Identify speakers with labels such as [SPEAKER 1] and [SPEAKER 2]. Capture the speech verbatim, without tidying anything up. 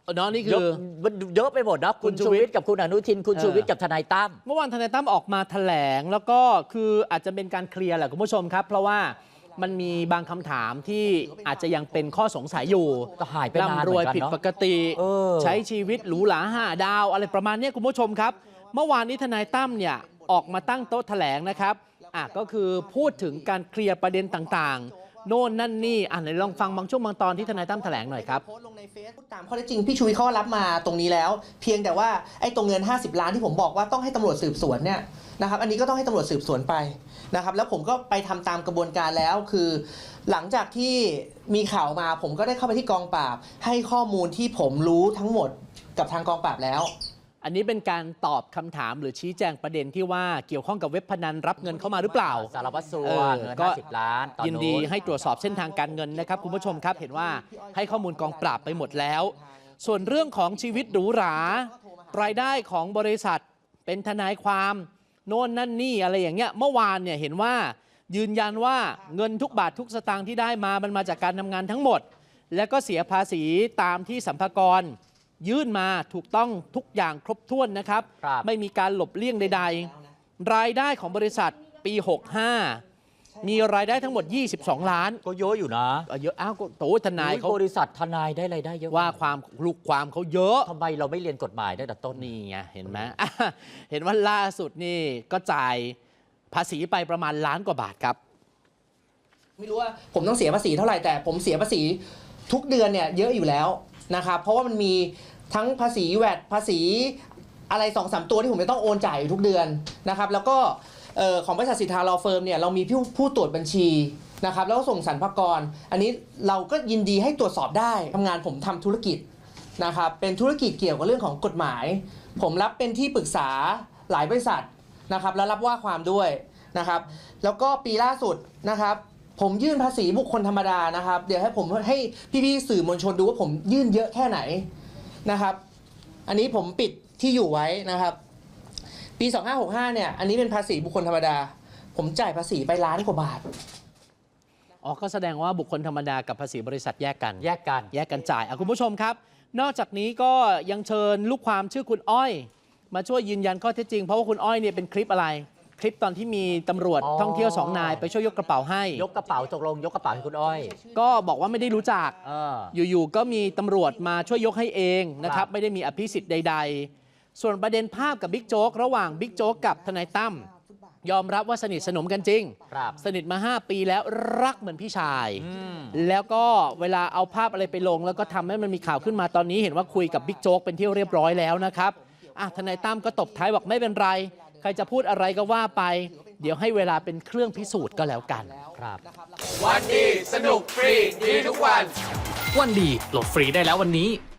[SPEAKER 1] เนาะนี่คือ
[SPEAKER 2] เยอะไปหมดนะคุณชูวิทย์กับคุณอนุทินคุณชูวิทย์กับทนายตั้ม
[SPEAKER 1] เมื่อวานทนายตั้มออกมาแถลงแล้วก็คืออาจจะเป็นการเคลียร์แหละคุณผู้ชมครับเพราะว่ามันมีบางคำถามที่อาจจะยังเป็นข้อสงสัยอยู่
[SPEAKER 2] ก็หายไปนานเหมือนกันเนาะร่ำรวย
[SPEAKER 1] ผิดปกติใช้ชีวิตหรูหราห้าดาวอะไรประมาณนี้คุณผู้ชมครับเมื่อวานนี้ทนายตั้มเนี่ยออกมาตั้งโต๊ะแถลงนะครับอ่ะก็คือพูดถึงการเคลียร์ประเด็นต่างๆโน่นนั่นนี่อ่ะไหนลองฟังบางช่วงบางตอนที่ทนายตั้มแถลงหน่อยครับ
[SPEAKER 3] โพสต์ลงในเฟซตามข้อเท็จจริงพี่ชูวิทย์เขารับมาตรงนี้แล้วเพียงแต่ว่าไอ้ตรงเงินห้าสิบล้านที่ผมบอกว่าต้องให้ตำรวจสืบสวนเนี่ยนะครับอันนี้ก็ต้องให้ตำรวจสืบสวนไปนะครับแล้วผมก็ไปทำตามกระบวนการแล้วคือหลังจากที่มีข่าวมาผมก็ได้เข้าไปที่กองปราบให้ข้อมูลที่ผมรู้ทั้งหมดกับทางกองปราบแล้ว
[SPEAKER 1] อันนี้เป็นการตอบคำถามหรือชี้แจงประเด็นที่ว่าเกี่ยวข้องกับเว็บพนันรับเงินเข้ามาหรือเปล่า
[SPEAKER 2] สารวัตรสัวเงินห้าสิบล้าน
[SPEAKER 1] ยินดีให้ตรวจสอบเส้นทางการเงินนะครับคุณผู้ชมครับเห็นว่าให้ข้อมูลกองปราบไปหมดแล้วส่วนเรื่องของชีวิตหรูหรารายได้ของบริษัทเป็นทนายความโน่นนั่นนี่อะไรอย่างเงี้ยเมื่อวานเนี่ยเห็นว่ายืนยันว่าเงินทุกบาททุกสตางค์ที่ได้มามันมาจากการทำงานทั้งหมดและก็เสียภาษีตามที่สรรพากรยื่นมาถูกต้องทุกอย่างครบถ้วนนะครับไม่มีการหลบเลี่ยงใดๆรายได้ของบริษัทปีหกสิบห้ามีรายได้ทั้งหมดยี่สิบสองล้าน
[SPEAKER 2] ก็เยอะอยู่นะ
[SPEAKER 1] เยอะอ้าวโตทนายเขา
[SPEAKER 2] บริษัททนายได้รายได้เยอะ
[SPEAKER 1] ว่าความลูกความเขาเยอะ
[SPEAKER 2] ทำไมเราไม่เรียนกฎหมายได้แต่ต้น
[SPEAKER 1] นี่ไงเห็นไหมเห็นว่าล่าสุดนี่ก็จ่ายภาษีไปประมาณล้านกว่าบาทครับ
[SPEAKER 3] ไม่รู้ว่าผมต้องเสียภาษีเท่าไหร่แต่ผมเสียภาษีทุกเดือนเนี่ยเยอะอยู่แล้วนะครับเพราะว่ามันมีทั้งภาษีแวดภาษีอะไร สองสาม ตัวที่ผมจะต้องโอนจ่ายทุกเดือนนะครับแล้วก็ของบริษัทสิทธาลอเฟิร์มเนี่ยเรามีผู้ผู้ตรวจบัญชีนะครับแล้วก็ส่งสรรพากรอันนี้เราก็ยินดีให้ตรวจสอบได้ทำงานผมทำธุรกิจนะครับเป็นธุรกิจเกี่ยวกับเรื่องของกฎหมายผมรับเป็นที่ปรึกษาหลายบริษัทนะครับแล้วรับว่าความด้วยนะครับแล้วก็ปีล่าสุดนะครับผมยื่นภาษีบุคคลธรรมดานะครับเดี๋ยวให้ผมให้พี่ๆสื่อมวลชนดูว่าผมยื่นเยอะแค่ไหนนะครับอันนี้ผมปิดที่อยู่ไว้นะครับปีสองห้าหกห้าเนี่ยอันนี้เป็นภาษีบุคคลธรรมดาผมจ่ายภาษีไปล้านกว่าบาท
[SPEAKER 1] อ๋อก็แสดงว่าบุคคลธรรมดากับภาษีบริษัทแยกกัน
[SPEAKER 2] แยกกัน
[SPEAKER 1] แยกกันจ่ายอ่ะคุณผู้ชมครับนอกจากนี้ก็ยังเชิญลูกความชื่อคุณอ้อยมาช่วยยืนยันข้อเท็จจริงเพราะว่าคุณอ้อยเนี่ยเป็นคลิปอะไรคลิปตอนที่มีตำรวจท่องเที่ยวสองนายไปช่วยยกกระเป๋าให้
[SPEAKER 2] ยกกระเป๋าตกลงยกกระเป๋าให้คุณอ้อย
[SPEAKER 1] ก็บอกว่าไม่ได้รู้จักอยู่ๆก็มีตำรวจมาช่วยยกให้เองนะครับไม่ได้มีอภิสิทธิ์ใดๆส่วนประเด็นภาพกับบิ๊กโจ๊กระหว่างบิ๊กโจ๊กกับทนายตั้มยอมรับว่าสนิทสนมกันจริงสนิทมาห้าปีแล้วรักเหมือนพี่ชายแล้วก็เวลาเอาภาพอะไรไปลงแล้วก็ทำให้มันมีข่าวขึ้นมาตอนนี้เห็นว่าคุยกับบิ๊กโจ๊กเป็นที่เรียบร้อยแล้วนะครับอ่ะทนายตั้มก็ตบท้ายบอกไม่เป็นไรใครจะพูดอะไรก็ว่าไปเดี๋ยวให้เวลาเป็นเครื่องพิสูจน์ก็แล้วกัน
[SPEAKER 2] ครับ
[SPEAKER 4] วันดีสนุกฟรีดีทุกวัน
[SPEAKER 5] วันดีโหลดฟรีได้แล้ววันนี้